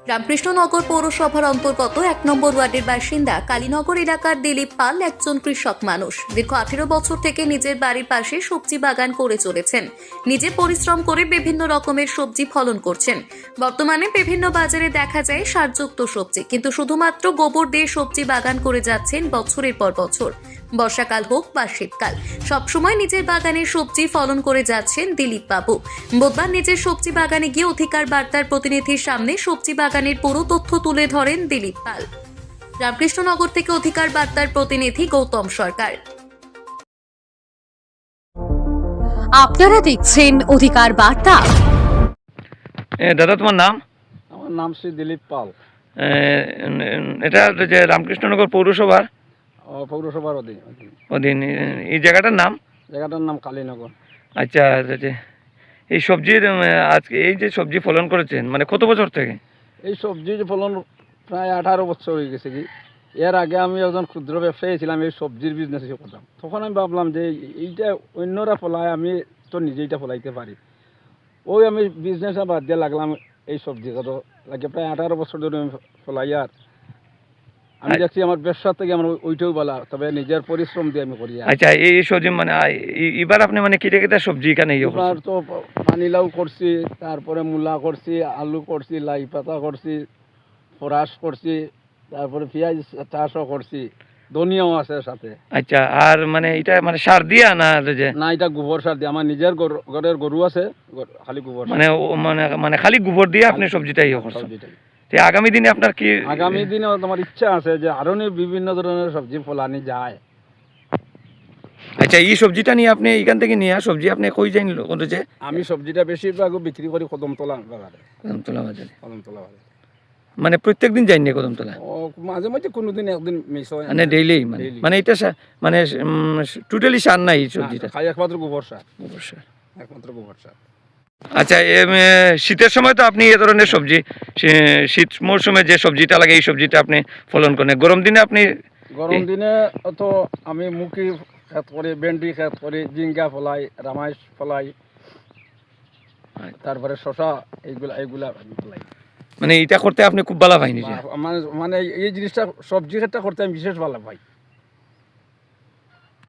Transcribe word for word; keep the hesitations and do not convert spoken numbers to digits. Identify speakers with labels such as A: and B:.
A: রামকৃষ্ণনগর পৌরসভার অন্তর্গত এক নম্বর ওয়ার্ডের বাসিন্দা কালীনগর এলাকার দিলীপ পাল একজন কৃষক মানুষ। দীর্ঘ আঠেরো বছর থেকে নিজের বাড়ির পাশে সবজি বাগান করে চলেছেন। নিজে পরিশ্রম করে বিভিন্ন রকমের সবজি ফলন করছেন। বর্তমানে বিভিন্ন বাজারে দেখা যায় সারযুক্ত সবজি, কিন্তু শুধুমাত্র গোবর দিয়ে সবজি বাগান করে যাচ্ছেন বছরের পর বছর। বর্ষাকাল হোক বা শীতকাল, সবসময় নিজের বাগানের সবজি ফলন করে যাচ্ছেন দিলীপ বাবু। বুধবার নিজের সবজি বাগানে গিয়ে অধিকার বার্তার প্রতিনিধির সামনে সবজি বাগানের পুরো তথ্য তুলে ধরেন দিলীপ পাল। রামকৃষ্ণনগর থেকে অধিকার বার্তার প্রতিনিধি গৌতম সরকার।
B: আপনারা দেখছেন অধিকার বার্তা।
C: দাদা, তোমার নাম?
D: আমার নাম শ্রী দিলীপ পাল।
C: এটা যে রামকৃষ্ণনগর পৌরসভার
D: পৌরসভার অধীন
C: অধীন এই জায়গাটার নাম?
D: জায়গাটার নাম কালীনগর।
C: আচ্ছা, এই সবজির আজকে এই যে সবজি ফলন করেছেন, মানে কত বছর থেকে?
D: এই সবজি ফলন প্রায় আঠারো বছর হয়ে গেছে। কি এর আগে আমি একজন ক্ষুদ্র ব্যবসায়ী ছিলাম, এই সবজির বিজনেস করতাম। তখন আমি ভাবলাম যে এইটা অন্যরা ফলায়, আমি তো নিজেইটা ফলাইতে পারি। ওই আমি বিজনেসটা বাদ দিয়ে লাগলাম এই সবজি কত লাগে প্রায় আঠারো বছর ধরে আমি ফলাই। আর আমি দেখছি আমার ব্যবসা থেকে আমার ওইটাও বলা, তবে নিজের পরিশ্রম দিয়ে আমি করি।
C: আচ্ছা, এই সবজি মানে এবার আপনি মানে কেটে কেটে সবজি এখানে
D: এবার তো পানিলাউ করছি, তারপরে মূলা করছি, আলু করছি, লাই পাতা করছি, ফরাস করছি, তারপরে পেঁয়াজ চাষও করছি, ধনিয়াও আছে সাথে।
C: আচ্ছা, আর মানে এটা মানে সার দিয়া না? যে
D: না, এটা গোবর সার দিয়ে। আমার নিজের ঘরের গরু আছে, খালি গোবর
C: মানে মানে মানে খালি গোবর দিয়ে আপনি সবজিটা ইয়ে করছেন। আগামী দিনে আপনার কি?
D: আগামী দিনে তোমার ইচ্ছা আছে যে আরো বিভিন্ন ধরনের সবজি ফলানি যায়।
C: আচ্ছা, এই সবজিটা নিয়ে আপনি এখান থেকে নিয়ে সবজি আপনি কই যাই করেছে?
D: আমি সবজিটা বেশিরভাগ বিক্রি করি কদমতলা বাজারে।
C: কদমতলা বাজারে?
D: কদমতলা বাজারে
C: মানে প্রত্যেক দিন যাইনি কদমতলা?
D: মাঝে মাঝে কোনোদিন একদিন মিস হয়,
C: মানে ডেইলি? মানে মানে এটা মানে টোটালি সার নাই সবজিটা?
D: খাই একমাত্র গোবর সার।
C: গোবর সার,
D: একমাত্র গোবর সার।
C: আচ্ছা, শীতের সময় তো আপনি এ ধরনের সবজি, শীত মরশুমে যে সবজিটা লাগে এই সবজিটা আপনি ফলন করেন। গরম দিনে আপনি?
D: গরম দিনে তো আমি মুখি খেত করি, ভেন্ডি খেত করি, জিঙ্গা ফলাই, রামাইশ ফলাই, তারপরে শশা, এইগুলা এইগুলা আমি ফলাই।
C: মানে এটা করতে আপনি খুব ভালো পাই নিজে?
D: মানে এই জিনিসটা সবজি ক্ষেতটা করতে আমি বিশেষ ভালো পাই।